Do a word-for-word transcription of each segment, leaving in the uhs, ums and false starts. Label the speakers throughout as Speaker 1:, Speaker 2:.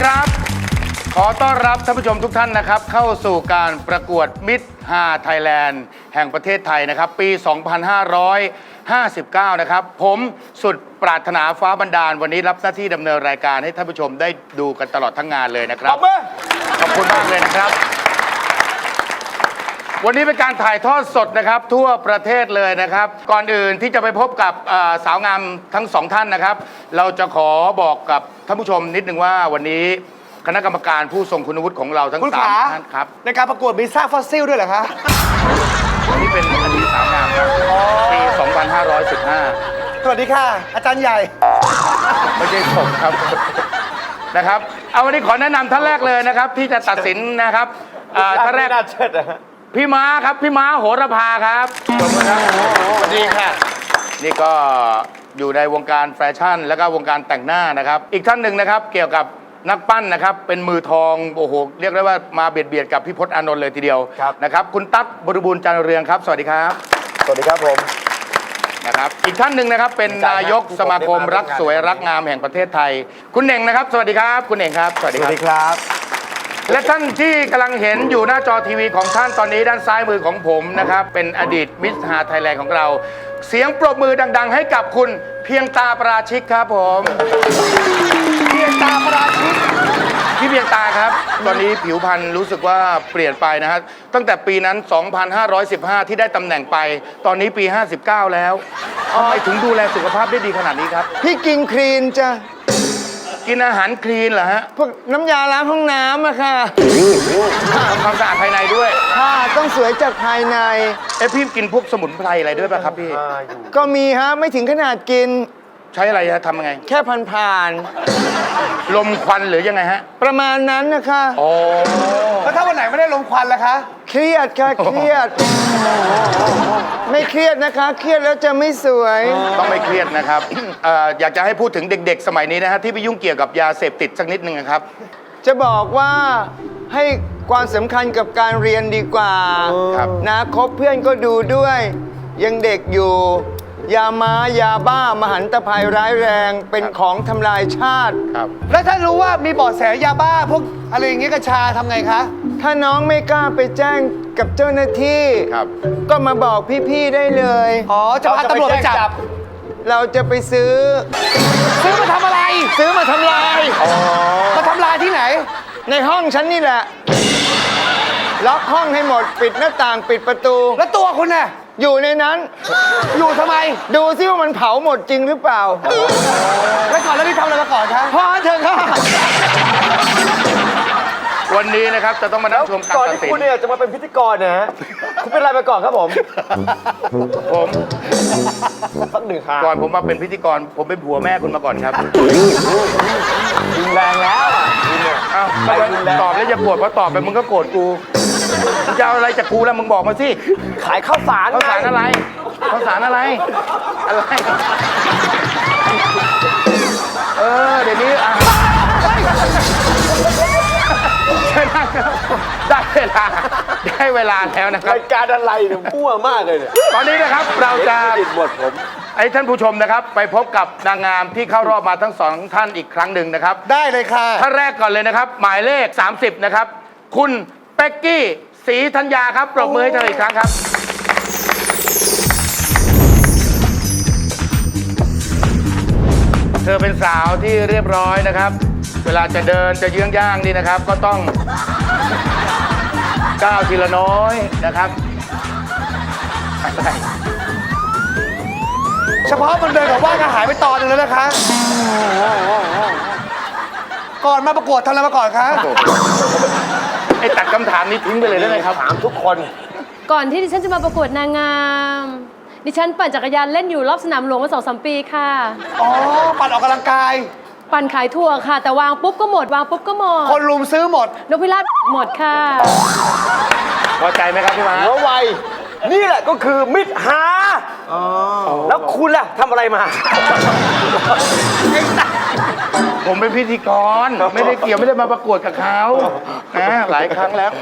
Speaker 1: ครับ ขอต้อนรับท่านผู้ชมทุกท่านนะครับเข้าสู่การประกวดมิตรฮาไทยแลนด์แห่งประเทศไทยนะครับปี สองพันห้าร้อยห้าสิบเก้า นะครับผมสุดปรารถนาฟ้าบันดาลวันนี้รับหน้าที่ดำเนินรายการให้ท่านผู้ชมได้ดูกันตลอดทั้งงานเลยนะครับขอบคุณมากเลยนะครับวันนี้เป็นการถ่ายทอดสดนะครับทั่วประเทศเลยนะครับก่อนอื่นที่จะไปพบกับสาวงามทั้งสองท่านนะครับเราจะขอบอกกับท่านผู้ชมนิดนึงว่าวันนี้คณะกรรมการผู้ทรงคุณวุฒิของเราทั้งสามท่านครับ
Speaker 2: ในการประกวดมีซากฟอสซิลด้วยเหรอคะ
Speaker 1: วันนี้เป็นอดีตสาวงามครับปี สองพันห้าร้อยสิบห้า
Speaker 2: สวัสดีค่ะอาจารย์ใหญ่
Speaker 1: ไม่ใช่ผมครับนะครับเอาวันนี้ขอแนะนำท่านแรกเลยนะครับที่จะตัดสินนะครับท่านแรกพี่ม้าครับพี่ม้าโหระพาครับสวัสดีค่ะนี่ก็อยู่ในวงการแฟชั่นแล้วก็วงการแต่งหน้านะครับอีกท่านหนึ่งนะครับเกี่ยวกับนักปั้นนะครับเป็นมือทองโอ้โหเรียกได้ว่ามาเบียดเบียดกับพี่พจน์อานนท์เลยทีเดียวนะครับคุณตั๊กบริบูรณ์จันทร์เรืองครับสวัสดีครับ
Speaker 2: สวัสดีครับผม
Speaker 1: นะครับอีกท่านหนึ่งนะครับเป็นนายกสมาคมรักสวยรักงามแห่งประเทศไทยคุณเน่งนะครับสวัสดีครับคุณเน่งครับ
Speaker 2: สวัสดีครับ
Speaker 1: และท่านที่กำลังเห็นอยู่หน้าจอทีวีของท่านตอนนี้ด้านซ้ายมือของผมนะครับเป็นอดีตมิสฮาไทยแลนด์ของเราเสียงปรบมือดังๆให้กับคุณเพียงตาปราชิกครับผม
Speaker 2: เพียงตาปราชิก
Speaker 1: พี่เพียงตาครับตอนนี้ผิวพรรณรู้สึกว่าเปลี่ยนไปนะครับตั้งแต่ปีนั้น สองพันห้าร้อยสิบห้า ที่ได้ตำแหน่งไปตอนนี้ปี ห้าสิบเก้า แล้วทำไมถึงดูแลสุขภาพได้ดีขนาดนี้ครับ
Speaker 2: พี่กินคลีนจ้ะ
Speaker 1: กินอาหารคลีนเหรอฮะ
Speaker 2: พวกน้ำยาล้างห้องน้ำอะค่ะ
Speaker 1: ทำความสะอาดภายในด้วย
Speaker 2: ค่ะต้องสวยจากภายใน
Speaker 1: เอ๊ะพี่กินพวกสมุนไพรอะไรด้วยป่ะครับพี่
Speaker 2: ก็มีฮะไม่ถึงขนาดกิน
Speaker 1: ใช้อะไรฮะทำยังไง
Speaker 2: แค่ผ่านผ่าน
Speaker 1: ลมควันหรือยังไงฮะ
Speaker 2: ประมาณนั้นนะคะ
Speaker 1: อ๋อ
Speaker 2: แล้วถ้าวันไหนไม่ได้ลมควันล่ะคะเครียดค่ะเครียดไม่เครียดนะคะเครียดแล้วจะไม่สวย
Speaker 1: ต้องไม่เครียดนะครับอยากจะให้พูดถึงเด็กๆสมัยนี้นะฮะที่ไปยุ่งเกี่ยวกับยาเสพติดสักนิดนึงนะครับ
Speaker 2: จะบอกว่าให้ความสำคัญกับการเรียนดีกว่านะคบเพื่อนก็ดูด้วยยังเด็กอยู่ยาม้ายาบ้ามหันตภัยร้ายแรงเป็นของทำลายชาติ
Speaker 1: ครับ
Speaker 2: แล้วถ้ารู้ว่ามีเบาะแสยาบ้าพวกอะไรอย่างเงี้ยกัญชาทำไงคะถ้าน้องไม่กล้าไปแจ้งกับเจ้าหน้าที่
Speaker 1: ครับ
Speaker 2: ก็มาบอกพี่ๆได้เลย
Speaker 3: อ๋อจะพาตำรวจไปจับ
Speaker 2: เราจะไปซื้อ
Speaker 3: ซื้อมาทำอะไร
Speaker 2: ซื้อมาทำลาย
Speaker 3: มาทำลายที่ไหน
Speaker 2: ในห้องฉันนี่แหละล็อกห้องให้หมดปิดหน้าต่างปิดประตู
Speaker 3: แล้วตัวคุณน่ะ
Speaker 2: อยู่ในนั้น
Speaker 3: อยู่ทำไม
Speaker 2: ดูซิว่ามันเผาหมดจริงหรือเปล่า
Speaker 3: แล้วก่อนแล้วนี่ทำอะไรมาก่อนคะ
Speaker 2: พอเถอะค่ะ
Speaker 1: วันนี้นะครับจะต้องมานั่งชมการตัดสิน
Speaker 3: ก่อนที่คุณเนี่ยจะมาเป็นพิธีกรนะฮะคุณเป็นอะไรมาก่อนครับผม
Speaker 1: ผม
Speaker 3: สักหนึ่งครั้ง
Speaker 1: ก่อนผมมาเป็นพิธีกรผมเป็นผัวแม่คุณมาก่อนครับ
Speaker 3: รุนแรงแล้ว
Speaker 1: อ้าวตอบแล้วจะโกรธเพราะตอบไปมึงก็โกรธกูจะเอาอะไรจากกูแล้วมึงบอกมาสิ
Speaker 3: ขายข้าวสาร
Speaker 1: ข้าวสารอะไรข้าวสารอะไรอะไรเออเดี๋ยวนี้อ่ะได้เวลาได้เวลาแล้วนะครับ
Speaker 3: รายการอะไรเนี่ยมั่วมากเลยเนี่ย
Speaker 1: ตอนนี้นะครับเราจะ
Speaker 3: ติดหมดผม
Speaker 1: ไอ้ท่านผู้ชมนะครับไปพบกับนางงามที่เข้ารอบมาทั้งสองท่านอีกครั้งหนึ่งนะครับ
Speaker 2: ได้เลยค่ะ
Speaker 1: ท่านแรกก่อนเลยนะครับหมายเลขสามสิบนะครับคุณเป๊กกี้ศรีธัญญาครับปรบมือให้เธออีกครั้งครับเธอเป็นสาวที่เรียบร้อยนะครับเวลาจะเดินจะเยื้องย่างนี่นะครับก็ต้องก้าวทีละน้อยนะครับ
Speaker 2: เฉพาะมันเดินกับว่าก็หายไปตอนนึงแล้วนะคะก่อนมาประกวดทำอะไรมาก่อนคะ
Speaker 1: ไอ้ตัดคำถามนี้ทิ้งไปเลยได้ไหมครับ
Speaker 3: ถามทุกคน
Speaker 4: ก่อนที่ดิฉันจะมาประกวดนางงามดิฉันปั่นจักรยานเล่นอยู่รอบสนามหลวงมาสองสามปีค่ะ
Speaker 2: อ๋อปั่นออกกำลังกาย
Speaker 4: ปั่นขายถั่วค่ะแต่วางปุ๊บก็หมดวางปุ๊บก็หมด
Speaker 2: คนรุมซื้อหมด
Speaker 4: นกพิราบหมดค่ะ
Speaker 1: พอใจไหมครับพี่ม้า
Speaker 3: หัวไวนี่แหละก็คือมิตรฮาแล้วคุณล่ะทำอะไรมา
Speaker 1: ผมเป็นพิธีกรไม่ได้เกี่ยวไม่ได้มาประกวดกับเขานะหลายครั้งแล้ว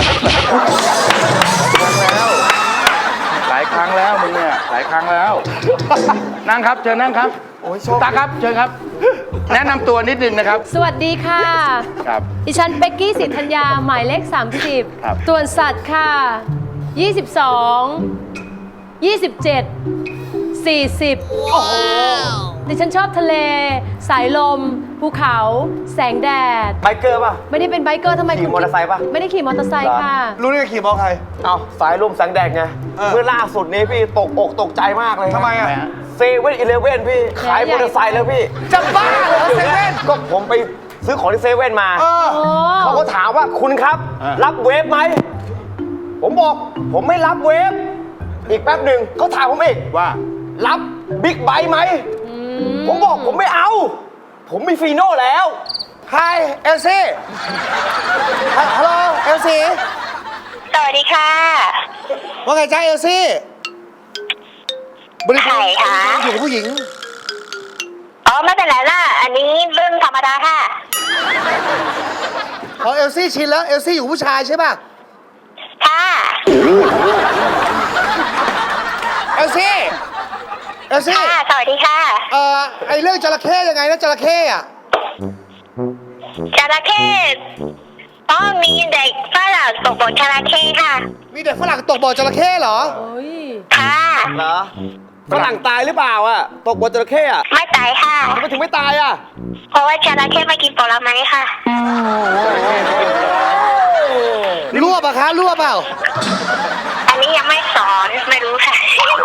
Speaker 1: หลายครั้งแล้วมึงเนี่ยหลายครั้งแล้วนั่งครับเชิญนั่งครับตาครับเชิญครับแนะนำตัวนิดนึงนะครับ
Speaker 4: สวัสดีค่ะ
Speaker 1: ครับ
Speaker 4: ดิฉันเป๊กกี้สิทธัญญาหมายเลข
Speaker 1: ครับ
Speaker 4: 30 ตัวนสัตว์ค่ะ ยี่สิบสอง ยี่สิบเจ็ด สี่สิบ โอ้โห ดิฉันชอบทะเล สายลม ภูเขา แสงแดด
Speaker 3: ไบเกอร์ป่ะ
Speaker 4: ไม่ได้เป็นไบเกอร์ทำไม
Speaker 3: ขี่
Speaker 4: คุณ
Speaker 3: มอเตอร์ไซค์ปะ
Speaker 4: ไม่ได้ขี่มอเตอร์ไซค์ค่ะ
Speaker 2: รู้ได้ไงขี่มอใคร
Speaker 3: เอาสายลมแสงแดดไง
Speaker 2: เออ
Speaker 3: เมื่อล่าสุดนี้พี่ตกอกตกใจมากเลย
Speaker 2: ทำไมอ่ะ
Speaker 3: เซเว่นอีเลฟเว่นพี่ ขายมอเตอร์ไซค์แล้วพี่
Speaker 2: จะบ้าเหรอเซเว่น
Speaker 3: ก็ผมไปซื้อของที่เซเว่นมา
Speaker 2: เออ
Speaker 4: โอ้
Speaker 3: เขาก็ถามว่าคุณครับ
Speaker 1: อ่า
Speaker 3: รับเวฟไหม ผมบอก ผมไม่รับเวฟ อีกแป๊บหนึ่งเขาถามผมอีก
Speaker 1: ว่า
Speaker 3: รับบิ๊กไบค์ไหม ผมบอกผมไม่เอา ผมมีฟีโน่แล้ว
Speaker 2: Hi เอลซี่ฮัลโหลเอลซี่
Speaker 5: สวัสดีค่ะ
Speaker 2: ว่าไงจ้าเอลซี่บริ
Speaker 5: ใครคะ
Speaker 2: อยู่กับผู้หญิง
Speaker 5: อ๋อไม่เป็นไรล่ะ อันนี้เรื่องธรรมดาค่ะ
Speaker 2: อ๋อเอลซี่ชินแล้วเอลซี่อยู่ผู้ชายใช่ป่ะ
Speaker 5: ค่ะ
Speaker 2: เอลซี่เอลซี่
Speaker 5: ค่ะ สวัสดีค่ะ
Speaker 2: เอ่อไอเรื่องจระเข้ยังไงนะจระเข้อะ
Speaker 5: จระเข้ต้องมีเด็กฝรั่งตกบนจระเข้ค่ะ
Speaker 2: มีเด็กฝรั่งตกบ่อจระเข้เหรอ
Speaker 4: โอ้ย
Speaker 5: ค่ะ
Speaker 3: เหรอฝรั่งตายหรือเปล่าอะตกบนจระเข้อะ
Speaker 5: ไม่ตายค่ะ
Speaker 3: ทำไมถึงไม่ตายอะ
Speaker 5: เพราะว่าจระเข้ไม่กินผลไม้ค่ะ
Speaker 2: รวบอะคะรวบเปล่า
Speaker 5: อันนี้ยังไม่สอนไม่รู้ค่ะ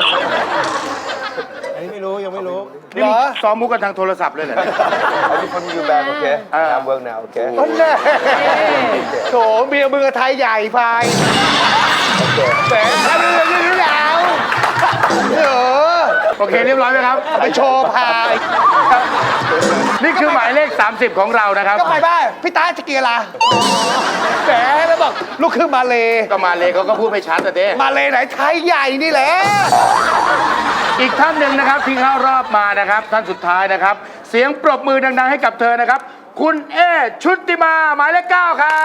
Speaker 2: อันนี้ไม่รู้ยังไม่รู้
Speaker 1: นี่มึงซ้อมมุกกันทางโทรศัพท์เลยเหรอเนี่ย
Speaker 3: อันนี้คนยูแบนโอเค
Speaker 1: เออ
Speaker 3: เวิร์กแนวโอเค
Speaker 2: นั่นแน่โถเมียมึงกับไทยใหญ่ไฟแหมแล้วมึงยังรู้แล้วเออ
Speaker 1: โอเคเรียบร้อยไหมครับ
Speaker 2: ไปโชว์พาย
Speaker 1: นี่คือหมายเลข สามสิบ ของเรานะครับ
Speaker 2: ก็ไปบ้านพี่ตาจะเกียร์ละแหมแล้วบอกลูกครึ่งมาเล
Speaker 1: ก็มาเลยเขาก็พูดไม่ชัดแต่เด้
Speaker 2: มาเลไหนไทยใหญ่นี่แหละ
Speaker 1: อีกท่านหนึ่งนะครับที่เข้ารอบมานะครับ ท่านสุดท้ายนะครับ เสียงปรบมือดัง ๆ ให้กับเธอนะครับ คุณเอชุติมาหมายเลขเก้าครับ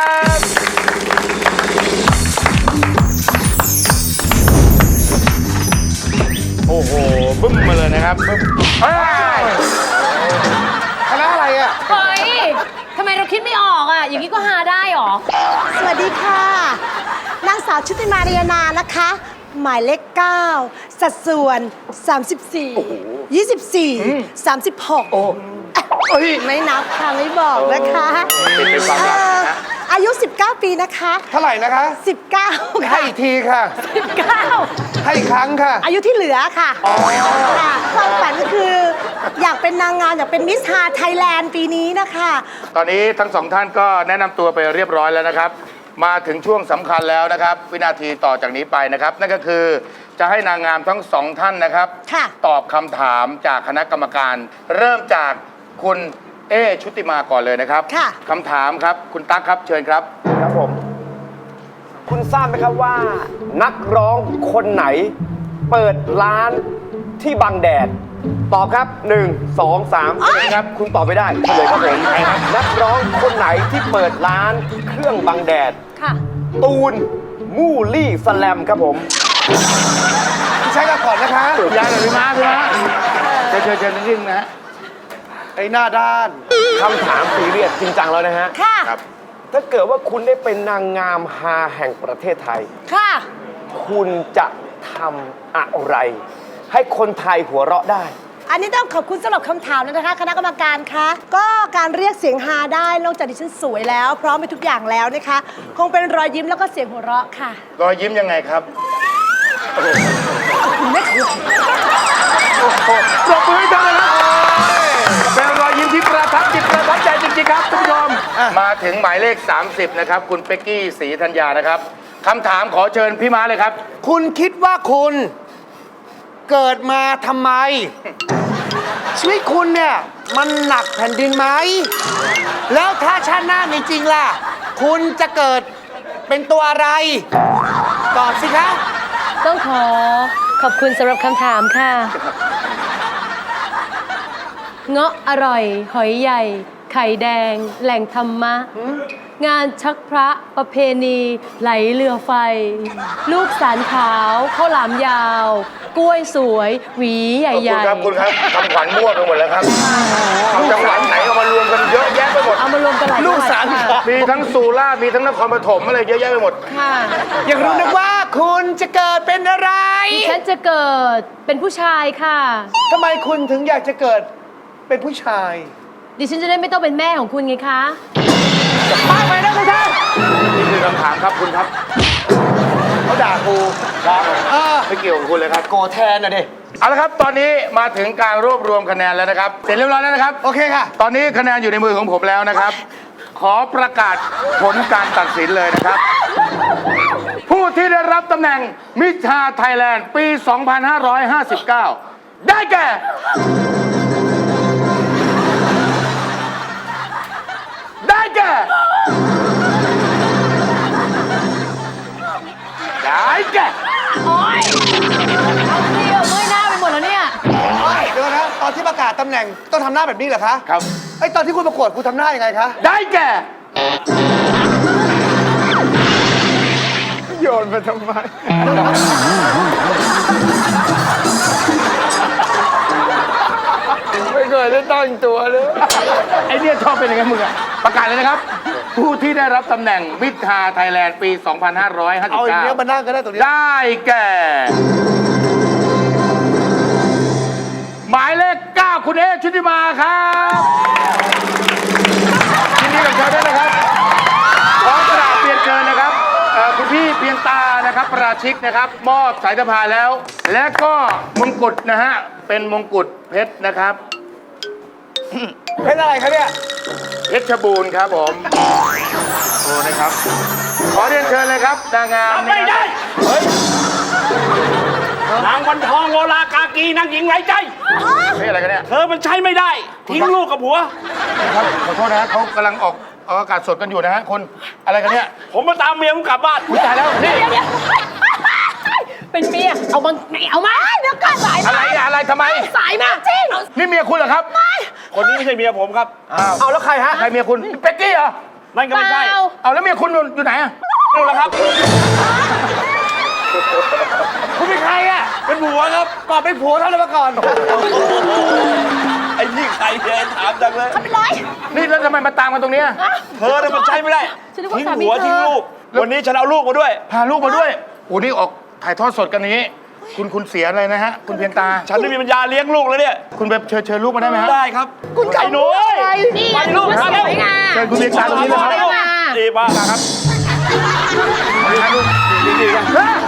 Speaker 1: โอ้โหบึ้มมาเลยนะครับบึ้มเฮ้ย
Speaker 2: คณะอะไรอ่ะ
Speaker 4: เฮ้ยทำไมเราคิดไม่ออกอ่ะ อย่างนี้ก็หาได้หรอ
Speaker 6: สวัสดีค่ะ นางสาวชุติมาเรียนานะคะ หมายเลขเก้าสัดส่วน สามสิบสี่ ยี่สิบสี่ สามสิบหก
Speaker 1: เฮ้ย
Speaker 6: ไม่นับค่ะ ไม่บอกนะคะ
Speaker 1: เป็นเป็นความลับนะ
Speaker 6: เอ่ออายุ สิบเก้า ปีนะคะ
Speaker 2: เท่าไหร่นะคะ
Speaker 6: สิบเก้า
Speaker 2: ให้
Speaker 6: ค่ะ
Speaker 2: อีกทีค่ะ
Speaker 6: สิบเก้า
Speaker 2: ให้อีกครั้งค่ะ
Speaker 6: อายุที่เหลือค่ะค่ะความฝันก็คือ อยากเป็นนางงามอยากเป็นมิสฮาไทยแลนด์ปีนี้นะคะ
Speaker 1: ตอนนี้ทั้งสองท่านก็แนะนำตัวไปเรียบร้อยแล้วนะครับ มาถึงช่วงสำคัญแล้วนะครับ วินาทีต่อจากนี้ไปนะครับ นั่นก็คือจะให้นางงามทั้งสองท่านนะครับ
Speaker 6: ค่ะ
Speaker 1: ตอบคำถามจากคณะกรรมการ เริ่มจากคุณเอชุติมาก่อนเลยนะครับ
Speaker 6: ค่ะ
Speaker 1: คำถามครับคุณตั๊กครับเชิญครับ
Speaker 3: ครับผม คุณทราบไหมครับว่า นักร้องคนไหน เปิดร้านที่บังแดด ตอบครับ หนึ่ง สอง สาม
Speaker 1: เชิญครับ
Speaker 3: คุณตอบไม่ได้เฉลยครับผมนักร้องคนไหนที่เปิดร้านเครื่องบังแดด
Speaker 4: ค่ะ
Speaker 3: ตูน มูลี่สแลมครับผม
Speaker 2: ใช้กันก่อนนะคะ
Speaker 1: ยายหน่อยพี่ม้าพี่ม้าเชิญเชิญเชิญนิดนึงนะฮะ
Speaker 2: ไอ้หน้าด้าน
Speaker 3: คำถามซีเรียสจริงจังแล้วนะฮะ
Speaker 6: ค่ะ
Speaker 1: ครับ
Speaker 3: ถ้าเกิดว่าคุณได้เป็นนางงามฮาแห่งประเทศไทย
Speaker 6: ค่ะ
Speaker 3: คุณจะทำอะไร ให้คนไทยหัวเราะได้
Speaker 6: อันนี้ต้องขอบคุณสำหรับคำถามเลยนะคะ คณะกรรมการคะก็การเรียกเสียงฮาได้นอกจากดิฉันสวยแล้ว พร้อมไปทุกอย่างแล้วนะคะ คงเป็นรอยยิ้มแล้วก็เสียงหัวเราะค่ะ
Speaker 1: รอยยิ้มยังไงครับ ปรบมือให้ท่านเลยครับเป็นรอยยิ้มที่ประทับจิตประทับใจจริงๆครับท่านผู้ชม มาถึงหมายเลข สามสิบ นะครับ คุณเป๊กกี้ศรีธัญญานะครับคำถามขอเชิญพี่ม้าเลยครับ
Speaker 2: คุณคิดว่าคุณเกิดมาทำไม ชีวิตคุณเนี่ยมันหนักแผ่นดินไหม แล้วถ้าชาติหน้ามีจริงล่ะ คุณจะเกิดเป็นตัวอะไร ตอบสิคะ
Speaker 4: ต้องขอขอบคุณสำหรับคำถามค่ะ เงาะอร่อย หอยใหญ่ไข่แดง แหล่งธรรมะ งานชักพระประเพณีไหลเรือไฟ ลูกสารขาวข้าวหลามยาว กล้วยสวย หวีให
Speaker 1: คุณ
Speaker 4: ญ่
Speaker 1: ครับคุณครับคำขวัญมั่วไปหมดแล้วครับเอาจังหวัดไหนเอามารวมกันเยอะแยะไปหมด
Speaker 4: ๆ เอามารวมกันหลาย
Speaker 2: ลูก
Speaker 4: จังหวัด
Speaker 2: สาร
Speaker 4: ค่ะ
Speaker 2: ขาว
Speaker 1: มีทั้งสุราษฎร์มีทั้งนครปฐมอะไรเยอะแยะไปหมด
Speaker 4: ค่ะ
Speaker 2: อยากรู้นะว่าคุณจะเกิดเป็นอะไร
Speaker 4: ดิฉันจะเกิดเป็นผู้ชายค่ะ
Speaker 2: ทำไมคุณถึงอยากจะเกิดเป็นผู้ชาย
Speaker 4: ดิฉันจะได้ไม่ต้องเป็นแม่ของคุณไงคะ
Speaker 2: มากไปนะคุณท่าน
Speaker 1: นี่คือคำถามครับคุณครับ
Speaker 2: เขาด่ากูครับเออ
Speaker 1: ไม่เกี่ยวกับคุณเลยครับ
Speaker 2: โกรธแทนนะดิ
Speaker 1: เอาละครับตอนนี้มาถึงการรวบรวมคะแนนแล้วนะครับเสร็จเรียบร้อยแล้วนะครับ
Speaker 2: โอเคค่ะ
Speaker 1: ตอนนี้คะแนนอยู่ในมือของผมแล้วนะครับ ขอประกาศผลการตัดสินเลยนะครับ ผู้ที่ได้รับตำแหน่งมิชาไทยแลนด์ปี สองพันห้าร้อยห้าสิบเก้า ได้แก่ ได้แก่ ได้แก่
Speaker 4: โอ๊ย เอาเที่ยวเมื่อยหน้าไปหมดแล้วเนี่ย
Speaker 2: เดี๋ยวนะตอนที่ประกาศตำแหน่งต้องทำหน้าแบบนี้เหรอคะ
Speaker 1: ครับ
Speaker 2: ไอ้ยตอนที่คุณประกวดคุณทำหน้ายังไงคะ
Speaker 1: ได้แก่
Speaker 2: โยนมาทำไม ไม่เคยได้ตั้งตัวเลย
Speaker 1: ไอเนี่ยชอบเป็นอย่างนั้นมึงอะประกาศเลยนะครับ ผู้ที่ได้รับตำแหน่งมิตรไทยแลนด์ปี สองพันห้าร้อยห้าสิบ
Speaker 2: เอาอย่าง
Speaker 1: เก้า
Speaker 2: เนี้ยมานั่งก็ได้ตรงนี้
Speaker 1: ได้แก่ หมายเลขเก้าคุณเอชุติมาครับยินดีกับเขาด้วยนะครับขอกระดาษเปลี่ยนเกินนะครับเอ่อคุณพี่เพียงตานะครับปราชิกนะครับ มอบสายสะพายแล้ว และก็มงกุฎนะฮะเป็นมงกุฎเพชรนะครับ
Speaker 2: เป็นอะไรคะเนี่ย
Speaker 1: เพชรบูรณ์ครับผมโอ้นะครับ ขอเรียนเชิญเลยครับนางงาม
Speaker 7: ไม่ได้
Speaker 1: เฮ้ย
Speaker 7: นางวันทองโลลากากีนางหญิงไร้ใจ
Speaker 1: เฮ้ยอะไรกันเนี่ย
Speaker 7: เธอมันใช้ไม่ได้ ทิ้งลูกกับผัว
Speaker 1: ครับขอโทษนะฮะเขากำลังออกออกอากาศสดกันอยู่นะฮะคนอะไรกันเนี่ย
Speaker 7: ผมมาตามเมียผมกลับบ้าน
Speaker 1: อุ๊ยตายแล้วนี่
Speaker 4: เป็นเมีย เอามาไหนเอามา เดี๋ยวก่อนสาย
Speaker 1: อะไรอะอะไรทำไม
Speaker 4: สายมาจริง
Speaker 1: นี่เมียคุณเหรอครับ
Speaker 7: คนนี้ไม่ใช่เมียผมครับ
Speaker 2: เอาแล้วใครฮะ
Speaker 1: ใครเมียคุณเป็กกี้เหรอ
Speaker 7: นั่นก็ไม่ใช่
Speaker 1: เอาแล้วเมียคุณอยู่ไหนอะ
Speaker 7: นู่นแหละครับ
Speaker 2: คุณเป็นใครอ่ะ
Speaker 7: เป็นผัวครับ
Speaker 2: ก่อนเป็นผัวเท่านั้นมาก่อน
Speaker 7: ไอ้นี่ใครเนี่ยถามจังเลย
Speaker 1: นี่แล้วทำไมมาตามกันตรงเนี้ย
Speaker 7: เธอเนี่ยมันใช้ไม่ได้
Speaker 4: ฉันนึกว่า
Speaker 7: ทิ้ง
Speaker 4: สามี
Speaker 7: ผัว
Speaker 4: เธอ
Speaker 7: ทิ้งลูก วันนี้ฉันเอาลูกมาด้วย
Speaker 1: พาลูกมาด้วยโอ้นี่ออกถ่ายทอดสดกันนี้ คุณคุณเสียอะไรนะฮะคุณเพียงตา
Speaker 7: ฉันไม่มีปัญญาเลี้ยงลูกแล้วเนี่ย
Speaker 1: คุณไปเชิญเชิญลูกมาได้ไหมฮะ
Speaker 7: ได้ครับ
Speaker 2: คุณ
Speaker 7: ไอ้หนูเอ้ย
Speaker 4: นี่
Speaker 7: ไปลูก
Speaker 4: มัน
Speaker 7: มา
Speaker 4: ส
Speaker 7: เร็ว
Speaker 4: วยงาม
Speaker 1: เชิญคุณเพียงตาตรงนี้เลยครับ
Speaker 4: มา
Speaker 7: ดีมาก
Speaker 1: ครับ
Speaker 7: ดีๆกัน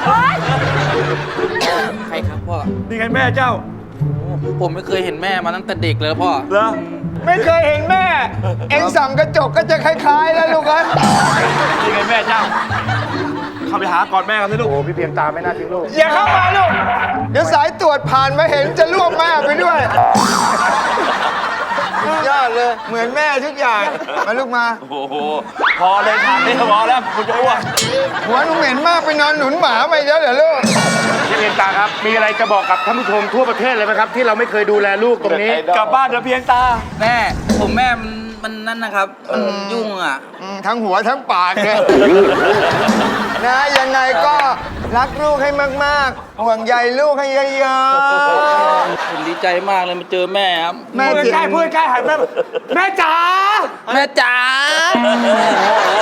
Speaker 8: ใครครับพ่อ
Speaker 7: นี่ไงแม่เจ้า
Speaker 8: ผมไม่เคยเห็นแม่มาตั้งแต่เด็กเลยพ่อ
Speaker 7: เหรอ
Speaker 2: ไม่เคยเห็นแม่ เอ็งส่องกระจกก็จะคล้ายๆแล้วลูกเอ้ย
Speaker 7: นี่ไงแม่เจ้า เข้าไปหากอดแม่กันสิลูก
Speaker 1: โอ้พี่เพียงตาไม่น่าทิ้งลูก
Speaker 2: อย่าเข้ามาลูก เดี๋ยวสายตรวจผ่านมาเห็นจะล่วงแม่ไปด้วยสุดยอดเลย เหมือนแม่ทุกอย่าง มาลูกมา
Speaker 7: โอ้โห พอเลยถามนี่พอแล้วคุณจะอ้วก
Speaker 2: หัวหนูเหม็นมากไปนอนหนุนหมาไปแล้วเหรอลูก
Speaker 1: พี่เพียงตาครับ มีอะไรจะบอกกับท่านผู้ชมทั่วประเทศเลยไหมครับ ที่เราไม่เคยดูแลลูกตรงนี้
Speaker 7: กลับบ้านเถอะเพียงตา
Speaker 8: แม่ ผมแม่มันมันนั่นนะครับ มันยุ่งอ่ะ
Speaker 2: อืมทั้งหัวทั้งปากเลยนะยังไงก็รักลูกให้มากๆ ห่วงใยลูกให้เยอะ
Speaker 8: ผมดีใจมากเลยมาเจอแม่ครับ
Speaker 2: ๆแม่ใกล้พูดใกล้หันแม่แม่จ๋า
Speaker 8: แม่จ๋าโอ้โห